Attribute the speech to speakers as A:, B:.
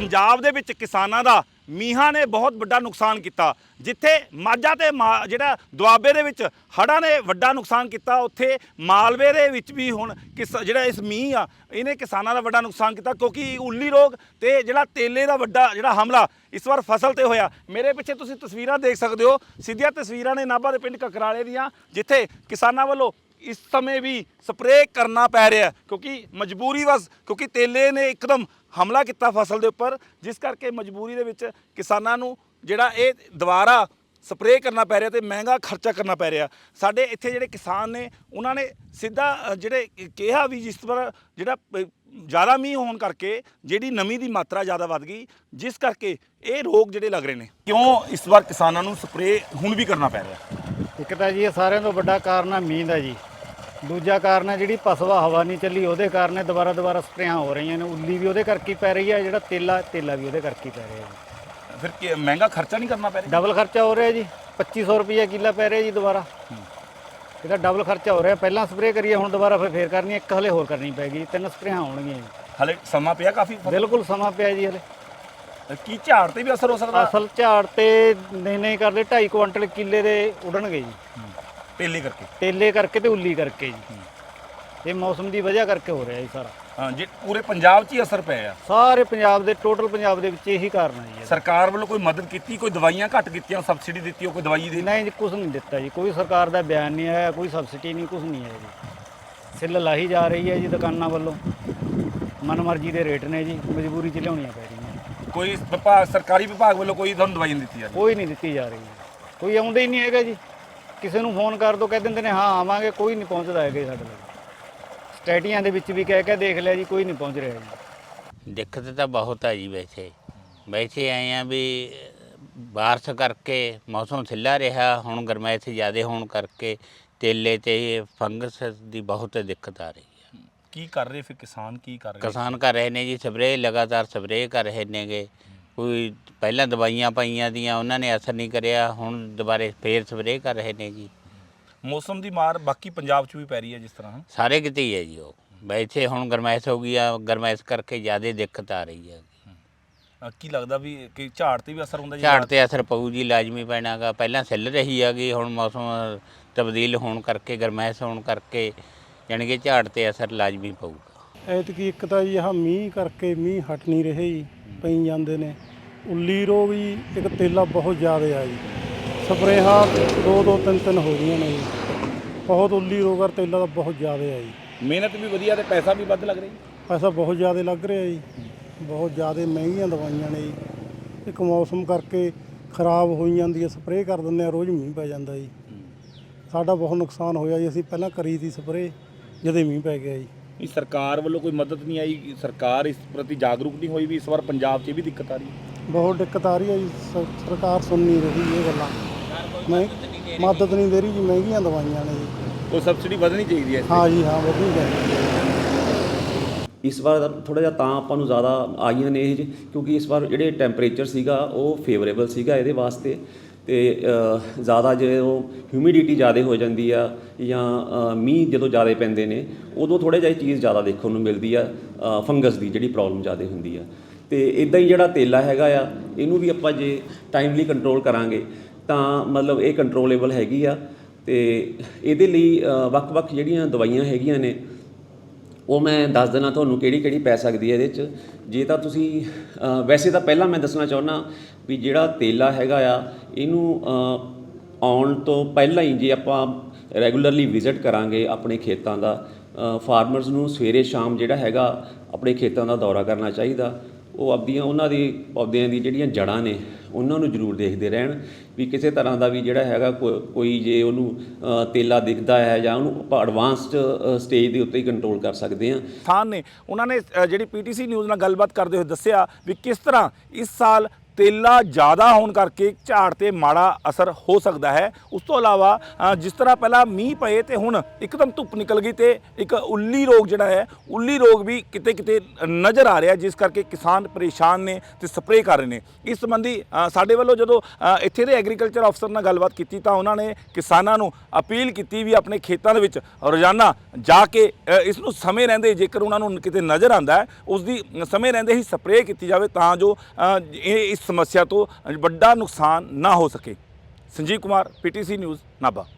A: पंजाब दे विच किसानां दा मीहां ने बहुत वड्डा नुकसान किया। जिथे माझा ते जिहड़ा दुआबे दे विच हड़ां ने वड्डा नुकसान किया, उत्थे मालवे दे विच भी हुण जिहड़ा इस मींह आ इहने किसानां दा वड्डा नुकसान किया, क्योंकि उल्ली रोग ते जिहड़ा तेले दा वड्डा जिहड़ा हमला इस बार फसल ते होया। मेरे पिछे तुसीं तस्वीरां देख सकदे हो, सीधियां तस्वीरां ने नाभा दे पिंड ककराले दियां, जिथे किसानां वल्लों इस समय भी स्प्रे करना पै रहा, क्योंकि मजबूरी बस, क्योंकि तेले ने एकदम हमला किया फसल के उपर, जिस करके मजबूरी दे विच किसानां नूं जिहड़ा ये दोबारा स्प्रे करना पै रहा, तो महंगा खर्चा करना पै रहा। साडे इत्थे जिहड़े किसान ने उन्होंने सीधा जिहड़े कहा भी जिस पर जिहड़ा ज़्यादा मींह होने करके जिहड़ी नमी की मात्रा ज़्यादा वध गई, जिस करके ये रोग जिहड़े लग रहे हैं। क्यों इस बार किसानां नूं स्प्रे हुण भी करना पै रहा?
B: एक तो जी सारिਆਂ ਤੋਂ ਵੱਡਾ ਕਾਰਨ ਆ ਮੀਂਹ ਦਾ ਜੀ। ਦੂਜਾ ਕਾਰਨ ਹੈ ਜਿਹੜੀ ਪਸਵਾ ਹਵਾ ਨਹੀਂ ਚੱਲੀ, ਉਹਦੇ ਕਾਰਨ ਦੁਬਾਰਾ ਸਪਰੇਆਂ ਹੋ ਰਹੀਆਂ ਨੇ। ਉੱਲੀ ਵੀ ਉਹਦੇ ਕਰਕੇ ਪੈ ਰਹੀ ਹੈ, ਜਿਹੜਾ ਤੇਲਾ ਵੀ ਉਹਦੇ ਕਰਕੇ ਪੈ ਰਿਹਾ ਜੀ।
A: ਫਿਰ ਮਹਿੰਗਾ ਖਰਚਾ ਨਹੀਂ ਕਰਨਾ ਪੈ ਰਿਹਾ?
B: ਡਬਲ ਖਰਚਾ ਹੋ ਰਿਹਾ ਜੀ, 2500 ਰੁਪਏ ਕਿੱਲਾ ਪੈ ਰਿਹਾ ਜੀ ਦੁਬਾਰਾ। ਇਹਦਾ ਡਬਲ ਖਰਚਾ ਹੋ ਰਿਹਾ, ਪਹਿਲਾਂ ਸਪਰੇਅ ਕਰੀਏ ਹੁਣ ਦੁਬਾਰਾ ਫੇਰ ਕਰਨੀ, ਇੱਕ ਹਲੇ ਹੋਰ ਕਰਨੀ ਪੈਗੀ, 3 ਸਪਰੇਆਂ ਹੋਣਗੀਆਂ ਜੀ।
A: ਹਲੇ ਸਮਾਂ ਪਿਆ ਕਾਫੀ?
B: ਬਿਲਕੁਲ ਸਮਾਂ ਪਿਆ ਜੀ। ਹਲੇ
A: ਕੀ ਝਾੜ ਤੇ ਵੀ ਅਸਰ ਹੋ ਸਕਦਾ?
B: ਅਸਲ ਝਾੜ ਤੇ ਨਹੀਂ ਕਰਦੇ, 2.5 ਕੁਇੰਟਲ ਕਿੱਲੇ ਦੇ ਉਡਣਗੇ ਜੀ, ਤੇਲੇ ਕਰਕੇ ਤੇ ਉੱਲੀ ਕਰਕੇ ਜੀ। ਇਹ ਮੌਸਮ ਦੀ ਵਜ੍ਹਾ ਕਰਕੇ ਹੋ ਰਿਹਾ ਜੀ ਸਾਰਾ।
A: ਹਾਂ ਜੀ, ਪੂਰੇ ਪੰਜਾਬ 'ਚ ਹੀ ਅਸਰ ਪਿਆ?
B: ਸਾਰੇ ਪੰਜਾਬ ਦੇ, ਟੋਟਲ ਪੰਜਾਬ ਦੇ ਵਿੱਚ ਇਹੀ ਕਾਰਨ ਹੈ ਜੀ।
A: ਸਰਕਾਰ ਵੱਲੋਂ ਕੋਈ ਮਦਦ ਕੀਤੀ, ਕੋਈ ਦਵਾਈਆਂ ਘੱਟ ਕੀਤੀਆਂ, ਸਬਸਿਡੀ ਦਿੱਤੀ, ਕੋਈ ਦਵਾਈ ਦੀ?
B: ਨਹੀਂ ਜੀ, ਕੁਝ ਨਹੀਂ ਦਿੱਤਾ ਜੀ, ਕੋਈ ਸਰਕਾਰ ਦਾ ਬਿਆਨ ਨਹੀਂ ਆਇਆ, ਕੋਈ ਸਬਸਿਡੀ ਨਹੀਂ, ਕੁਝ ਨਹੀਂ ਹੈ ਜੀ। ਸਿੱਲ ਲਾਹੀ ਜਾ ਰਹੀ ਹੈ ਜੀ ਦੁਕਾਨਾਂ ਵੱਲੋਂ, ਮਨਮਰਜ਼ੀ ਦੇ ਰੇਟ ਨੇ ਜੀ, ਮਜਬੂਰੀ 'ਚ ਲਿਆਉਣੀਆਂ ਪੈ ਰਹੀਆਂ।
A: ਕੋਈ ਵਿਭਾਗ, ਸਰਕਾਰੀ ਵਿਭਾਗ ਵੱਲੋਂ ਕੋਈ ਤੁਹਾਨੂੰ ਦਵਾਈ ਨਹੀਂ ਦਿੱਤੀ ਜਾਂਦੀ?
B: ਕੋਈ ਨਹੀਂ ਦਿੱਤੀ ਜਾ ਰਹੀ, ਕੋਈ ਆਉਂਦਾ ਹੀ ਨਹੀਂ ਹੈਗਾ ਜੀ। ਕਿਸੇ ਨੂੰ ਫੋਨ ਕਰ ਦੋ ਕਹਿ ਦਿੰਦੇ ਨੇ ਹਾਂ ਆਵਾਂਗੇ, ਕੋਈ ਨਹੀਂ ਪਹੁੰਚਦਾ ਹੈਗਾ ਸਾਡੇ ਕੋਲ। ਸਟੇਟੀਆਂ ਦੇ ਵਿੱਚ ਵੀ ਕਹਿ ਕੇ ਦੇਖ ਲਿਆ ਜੀ, ਕੋਈ ਨਹੀਂ ਪਹੁੰਚ ਰਿਹਾ ਜੀ।
C: ਦਿੱਕਤ ਤਾਂ ਬਹੁਤ ਆ ਜੀ। ਵੈਸੇ ਆਏ ਆ ਵੀ ਬਾਰਿਸ਼ ਕਰਕੇ ਮੌਸਮ ਸਿੱਲਾ ਰਿਹਾ, ਹੁਣ ਗਰਮੈਸ਼ ਜ਼ਿਆਦਾ ਹੋਣ ਕਰਕੇ ਤੇਲੇ ਤੇ ਫੰਗਸ ਦੀ ਬਹੁਤ ਦਿੱਕਤ ਆ ਰਹੀ ਹੈ।
A: ਕੀ ਕਰ ਰਹੇ ਫਿਰ ਕਿਸਾਨ? ਕੀ ਕਰ ਰਹੇ?
C: ਕਿਸਾਨ ਕਰ ਰਹੇ ਨੇ ਜੀ ਸਪਰੇਅ, ਲਗਾਤਾਰ ਸਪਰੇਅ ਕਰ ਰਹੇ ਨੇਗੇ। ਕੋਈ ਪਹਿਲਾਂ ਦਵਾਈਆਂ ਪਾਈਆਂ ਦੀਆਂ, ਉਹਨਾਂ ਨੇ ਅਸਰ ਨਹੀਂ ਕਰਿਆ, ਹੁਣ ਦੁਬਾਰੇ ਫੇਰ ਸਪਰੇਅ ਕਰ ਰਹੇ ਨੇ ਜੀ।
A: ਮੌਸਮ ਦੀ ਮਾਰ ਬਾਕੀ ਪੰਜਾਬ 'ਚ ਵੀ ਪੈ ਰਹੀ ਹੈ ਜਿਸ ਤਰ੍ਹਾਂ?
C: ਸਾਰੇ ਕਿਤੇ ਹੀ ਹੈ ਜੀ। ਉਹ ਵੈਸੇ ਹੁਣ ਗਰਮੈਸ਼ ਹੋ ਗਈ ਆ, ਗਰਮੈਸ਼ ਕਰਕੇ ਜ਼ਿਆਦਾ ਦਿੱਕਤ ਆ ਰਹੀ ਹੈ।
A: ਕੀ ਲੱਗਦਾ ਵੀ ਕਿ ਝਾੜ ਤੇ ਵੀ ਅਸਰ ਹੁੰਦਾ ਜੀ?
C: ਝਾੜ ਤੇ ਅਸਰ ਪਊ ਜੀ, ਲਾਜ਼ਮੀ ਪੈਣਾ ਗਾ। ਪਹਿਲਾਂ ਸਿੱਲ ਰਹੀ ਹੈਗੀ, ਹੁਣ ਮੌਸਮ ਤਬਦੀਲ ਹੋਣ ਕਰਕੇ, ਗਰਮੈਸ਼ ਹੋਣ ਕਰਕੇ ਜਾਣੀ ਕਿ ਝਾੜ ਤੇ ਅਸਰ ਲਾਜ਼ਮੀ ਪਊਗਾ।
D: ਐਤਕੀ ਇੱਕ ਤਾਂ ਜੀ ਆਹ ਮੀਂਹ ਕਰਕੇ ਮੀਂਹ ਹਟ ਨਹੀਂ ਰਹੇ ਜੀ, ਪਈ ਜਾਂਦੇ ਨੇ। ਉੱਲੀ ਰੋਗ ਜੀ, ਇੱਕ ਤੇਲਾ ਬਹੁਤ ਜ਼ਿਆਦਾ ਆ ਜੀ। ਸਪਰੇਹਾਂ 2-2 3-3 ਹੋ ਰਹੀਆਂ ਨੇ ਜੀ। ਬਹੁਤ ਉੱਲੀ ਰੋਗ ਔਰ ਤੇਲਾ ਦਾ ਬਹੁਤ ਜ਼ਿਆਦਾ ਆ ਜੀ।
A: ਮਿਹਨਤ ਵੀ ਵਧੀਆ ਤੇ ਪੈਸਾ ਵੀ ਵੱਧ ਲੱਗ ਰਿਹਾ ਜੀ?
D: ਪੈਸਾ ਬਹੁਤ ਜ਼ਿਆਦਾ ਲੱਗ ਰਿਹਾ ਜੀ, ਬਹੁਤ ਜ਼ਿਆਦਾ ਮਹਿੰਗੀਆਂ ਦਵਾਈਆਂ ਨੇ ਜੀ। ਇੱਕ ਮੌਸਮ ਕਰਕੇ ਖਰਾਬ ਹੋਈ ਜਾਂਦੀ ਹੈ, ਸਪਰੇਅ ਕਰ ਦਿੰਦੇ ਆ, ਰੋਜ਼ ਮੀਂਹ ਪੈ ਜਾਂਦਾ ਜੀ। ਸਾਡਾ ਬਹੁਤ ਨੁਕਸਾਨ ਹੋਇਆ ਜੀ। ਅਸੀਂ ਪਹਿਲਾਂ ਕਰੀ ਸੀ ਸਪਰੇਅ, ਜਦੋਂ ਮੀਂਹ ਪੈ ਗਿਆ ਜੀ।
A: ਇਹ ਸਰਕਾਰ ਵੱਲੋਂ ਕੋਈ ਮਦਦ ਨਹੀਂ ਆਈ? ਸਰਕਾਰ ਇਸ ਪ੍ਰਤੀ ਜਾਗਰੂਕ ਨਹੀਂ ਹੋਈ ਵੀ ਇਸ ਵਾਰ ਪੰਜਾਬ 'ਚ ਵੀ ਦਿੱਕਤ ਆ ਰਹੀ ਹੈ?
D: ਬਹੁਤ ਦਿੱਕਤ ਆ ਰਹੀ ਹੈ ਜੀ। ਸਰਕਾਰ ਸੁਣ ਨਹੀਂ ਰਹੀ ਇਹ ਗੱਲਾਂ, ਮਦਦ ਨਹੀਂ ਦੇ ਰਹੀ ਜੀ। ਮਹਿੰਗੀਆਂ ਦਵਾਈਆਂ ਨੇ ਜੀ।
A: ਕੋਈ ਸਬਸਿਡੀ ਵਧਣੀ ਚਾਹੀਦੀ ਹੈ?
D: ਹਾਂ ਜੀ, ਹਾਂ, ਵਧਣੀ ਚਾਹੀਦੀ ਹੈ।
E: ਇਸ ਵਾਰ ਥੋੜ੍ਹਾ ਜਿਹਾ ਤਾਂ ਆਪਾਂ ਨੂੰ ਜ਼ਿਆਦਾ ਆਈਆਂ ਨੇ ਇਹ, ਕਿਉਂਕਿ ਇਸ ਵਾਰ ਜਿਹੜੇ ਟੈਂਪਰੇਚਰ ਸੀਗਾ ਉਹ ਫੇਵਰੇਬਲ ਸੀਗਾ ਇਹਦੇ ਵਾਸਤੇ। ਅਤੇ ਜ਼ਿਆਦਾ ਜੇ ਉਹ ਹਿਊਮਿਡਿਟੀ ਜ਼ਿਆਦਾ ਹੋ ਜਾਂਦੀ ਆ ਜਾਂ ਮੀਂਹ ਜਦੋਂ ਜ਼ਿਆਦਾ ਪੈਂਦੇ ਨੇ, ਉਦੋਂ ਥੋੜ੍ਹਾ ਜਿਹਾ ਇਹ ਚੀਜ਼ ਜ਼ਿਆਦਾ ਦੇਖਣ ਨੂੰ ਮਿਲਦੀ ਆ, ਫੰਗਸ ਦੀ ਜਿਹੜੀ ਪ੍ਰੋਬਲਮ ਜ਼ਿਆਦਾ ਹੁੰਦੀ ਆ। ਅਤੇ ਇੱਦਾਂ ਹੀ ਜਿਹੜਾ ਤੇਲਾ ਹੈਗਾ ਆ, ਇਹਨੂੰ ਵੀ ਆਪਾਂ ਜੇ ਟਾਈਮਲੀ ਕੰਟਰੋਲ ਕਰਾਂਗੇ ਤਾਂ ਮਤਲਬ ਇਹ ਕੰਟਰੋਲੇਬਲ ਹੈਗੀ ਆ। ਅਤੇ ਇਹਦੇ ਲਈ ਵੱਖ-ਵੱਖ ਜਿਹੜੀਆਂ ਦਵਾਈਆਂ ਹੈਗੀਆਂ ਨੇ ਉਹ ਮੈਂ ਦੱਸ ਦੇਣਾ ਤੁਹਾਨੂੰ ਕਿਹੜੀ ਪੈ ਸਕਦੀ ਹੈ ਇਹਦੇ 'ਚ। ਜੇ ਤਾਂ ਤੁਸੀਂ ਵੈਸੇ ਤਾਂ ਪਹਿਲਾਂ ਮੈਂ ਦੱਸਣਾ ਚਾਹੁੰਦਾ ਵੀ ਜਿਹੜਾ ਤੇਲਾ ਹੈਗਾ ਆ, ਇਹਨੂੰ ਆਉਣ ਤੋਂ ਪਹਿਲਾਂ ਹੀ ਜੇ ਆਪਾਂ ਰੈਗੂਲਰਲੀ ਵਿਜ਼ਿਟ ਕਰਾਂਗੇ ਆਪਣੇ ਖੇਤਾਂ ਦਾ, ਫਾਰਮਰਸ ਨੂੰ ਸਵੇਰੇ ਸ਼ਾਮ ਜਿਹੜਾ ਹੈਗਾ ਆਪਣੇ ਖੇਤਾਂ ਦਾ ਦੌਰਾ ਕਰਨਾ ਚਾਹੀਦਾ। ਉਹ ਆਪਦੀਆਂ ਉਹਨਾਂ ਦੀ ਪੌਦਿਆਂ ਦੀ ਜਿਹੜੀਆਂ ਜੜ੍ਹਾਂ ਨੇ ਉਹਨਾਂ ਨੂੰ ਜ਼ਰੂਰ ਦੇਖਦੇ ਰਹਿਣ ਵੀ ਕਿਸੇ ਤਰ੍ਹਾਂ ਦਾ ਵੀ ਜਿਹੜਾ ਹੈਗਾ ਕੋਈ ਜੇ ਉਹਨੂੰ ਤੇਲਾ ਦਿਖਦਾ ਹੈ ਜਾਂ ਉਹਨੂੰ ਆਪਾਂ ਐਡਵਾਂਸਡ ਸਟੇਜ ਦੇ ਉੱਤੇ ਹੀ ਕੰਟਰੋਲ ਕਰ ਸਕਦੇ ਹਾਂ।
A: ਕਿਸਾਨ ਨੇ ਉਹਨਾਂ ਨੇ ਜਿਹੜੀ PTC ਨਿਊਜ਼ ਨਾਲ ਗੱਲਬਾਤ ਕਰਦੇ ਹੋਏ ਦੱਸਿਆ ਵੀ ਕਿਸ ਤਰ੍ਹਾਂ ਇਸ ਸਾਲ ਤੇਲਾ ਜ਼ਿਆਦਾ ਹੋਣ ਕਰਕੇ ਝਾੜ ਤੇ ਮਾੜਾ ਅਸਰ ਹੋ ਸਕਦਾ ਹੈ। ਉਸ ਤੋਂ ਇਲਾਵਾ ਜਿਸ ਤਰ੍ਹਾਂ ਪਹਿਲਾਂ ਮੀਂਹ ਪਏ ਤੇ ਹੁਣ ਇੱਕਦਮ ਧੁੱਪ ਨਿਕਲ ਗਈ ਤੇ ਇੱਕ ਉੱਲੀ ਰੋਗ ਜਿਹੜਾ ਹੈ, ਉੱਲੀ ਰੋਗ ਵੀ ਕਿਤੇ ਕਿਤੇ ਨਜ਼ਰ ਆ ਰਿਹਾ, ਜਿਸ ਕਰਕੇ ਕਿਸਾਨ ਪਰੇਸ਼ਾਨ ਨੇ ਤੇ ਸਪਰੇਅ ਕਰ ਰਹੇ ਨੇ। ਇਸ ਸੰਬੰਧੀ ਸਾਡੇ ਵੱਲੋਂ ਜਦੋਂ ਇੱਥੇ ਦੇ ਐਗਰੀਕਲਚਰ ਅਫਸਰ ਨਾਲ ਗੱਲਬਾਤ ਕੀਤੀ ਤਾਂ ਉਹਨਾਂ ਨੇ ਕਿਸਾਨਾਂ ਨੂੰ ਅਪੀਲ ਕੀਤੀ ਵੀ ਆਪਣੇ ਖੇਤਾਂ ਦੇ ਵਿੱਚ ਰੋਜ਼ਾਨਾ ਜਾ ਕੇ ਇਸ ਨੂੰ ਸਮੇਂ ਰਹਿੰਦੇ, ਜੇਕਰ ਉਹਨਾਂ ਨੂੰ ਕਿਤੇ ਨਜ਼ਰ ਆਉਂਦਾ ਹੈ, ਉਸ ਦੀ ਸਮੇਂ ਰਹਿੰਦੇ ਹੀ ਸਪਰੇਅ ਕੀਤੀ ਜਾਵੇ ਤਾਂ ਜੋ ਇਸ ਸਮੱਸਿਆ ਤੋਂ ਵੱਡਾ ਨੁਕਸਾਨ ਨਾ ਹੋ ਸਕੇ। Sanjeev Kumar, PTC news, Nabha.